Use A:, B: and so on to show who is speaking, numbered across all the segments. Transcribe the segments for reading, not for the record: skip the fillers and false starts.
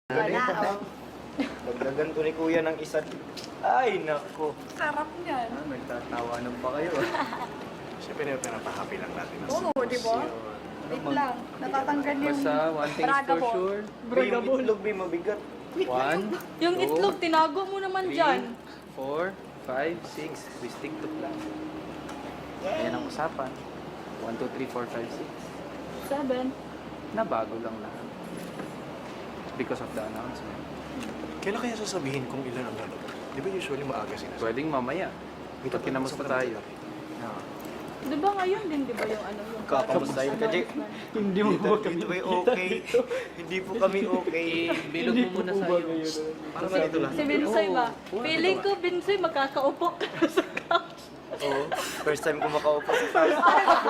A: Wala, oh.
B: Dagdagan ko ni kuya ng isa. Ay, nako.
A: Sarap niyan.
B: Nagtatawanan pa kayo.
C: Siyempre, pinapahappy lang natin.
A: Oo, di ba? Wait lang, natatanggal yung
D: Basta one thing is for
A: Bragabon.
D: sure.
B: Yung itlog, may mabigat.
D: 1,
E: Yung itlog, tinago mo naman dyan.
D: 4, 5, 6. We stick to plan. Ayan ang usapan. 1, 2, 3, 4, 5,
E: 7.
D: 6. Nabago lang lahat. Because of the announcement.
C: Kailan kaya sasabihin kung ilan ang lalabas? Di ba usually maaga sinasabi?
D: Pwedeng mamaya. Pag kinamusta tayo.
E: Di ba ngayon din, di ba yung ano? Yung
B: Kakamustahin ka, Jay. Hindi mo po kami okay. Hindi po kami okay.
D: Bilog mo muna sa'yo.
C: Parang ganito lang.
E: Si Binsoy ba? Feeling ko, Binsoy, magkakaupo ka sa couch.
B: Oo. First time ko makaupo sa first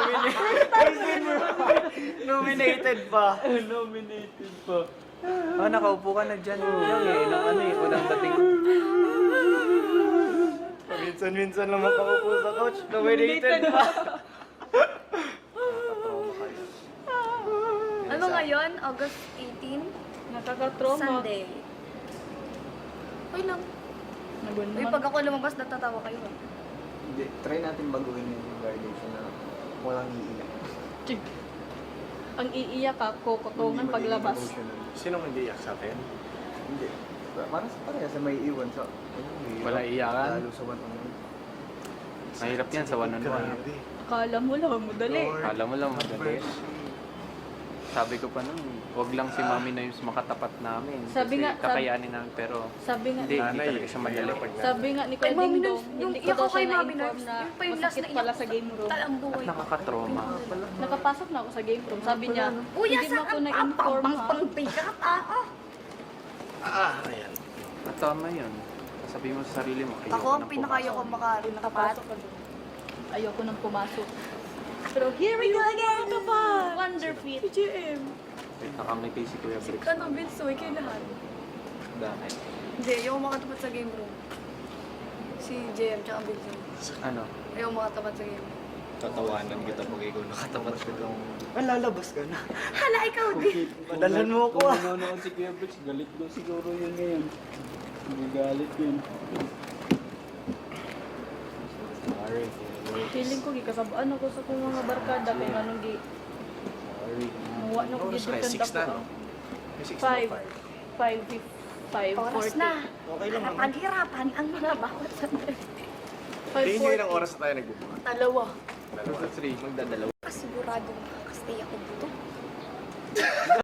B: Nominated pa.
D: Nominated pa. Nakaupo ka na dyan. Yung nung ano eh, unang dating.
B: Minsan-minsan lang makaupo sa couch. Nominated pa.
A: Ano ngayon? August 18?
E: Nakakatroma.
A: Sunday. Okay lang.
E: Nagun
A: Uy, pag ako lumabas, natatawa kayo. ah.
B: Hindi, try natin baguhin yung graduation na walang iiyak.
E: Ang iiyak ka, kukutungan paglabas.
C: Sinong hindi iyak sa atin?
B: Hindi. Parang sa parehas sa may iwan sa...
D: Wala iyakan?
B: Lalo sa one-on-one.
D: Mahirap yan sa one-on-one.
C: Grabe.
E: Akala mo lang, madali.
C: Lord.
D: Kala mo lang madali. Sabi ko pa nun, wag lang si Mami na yung makatapat namin.
E: Sabi
D: Kasi
E: nga-
D: kakayanin namin, pero
E: Sabi nga,
D: hindi
C: Nanay,
D: talaga siya madali.
E: sabi nga ni
A: Kay
E: Kuya
A: Mami
E: Ding
A: Nurse,
E: Dong,
A: yung
E: hindi ko
A: iyak
E: daw
A: ko kay
E: siya
A: Mami
E: na-inform
A: Nurse,
E: na
A: yung pa yung last
E: masakit
A: na
E: pala
A: iyak
E: sa
A: ko.
E: game room.
A: Talang buhay.
D: At nakakatroma.
E: Nakapasok na ako sa game room. Sabi niya,
A: Kuya,
E: hindi mo ako
A: saan
E: na-inform
A: pang
E: ha.
A: pangbigat?
C: Ayan.
D: At tama yun. Sabi mo sa sarili mo,
A: Ako, ang pinakayo ko makatapat.
E: Nakapasok ka doon. Ayoko nang pumasok. Pero here we go again! Wonderfit! PGM!
D: Wait, nakangiti si Kuya Briggs.
A: Ano, Binsoy, kay lahat.
D: Dahil.
A: Hindi, yung makatapat sa game room. Si JM tsaka Binsoy.
D: Ano?
A: Ayaw makatapat sa game room.
B: Tatawanan kita pag ikaw nakatapat ka lang. Lalabas ka na.
A: Hala, ikaw din!
B: Padalan mo ako ah.
F: Kung nanonood si Kuya Briggs, galit daw siguro yun ngayon. Galit yun.
C: Sorry.
E: Feeling ko, gikasabaan ako sa kong mga barkada kung anong gi...
F: Sorry.
E: Muwa na ko
C: Oras na,
E: gidukan
C: 6 na,
E: ako.
C: no? May 6 na
E: 5.
A: Oras
E: 5:40.
A: na.
B: Okay lang naman.
A: Paghirapan ang mga bawat sandali.
C: Hindi nyo ilang oras na tayo nagbubuka.
A: Dalawa.
D: 2 to 3, magdadalawa.
A: Sigurado makakastay ako dito.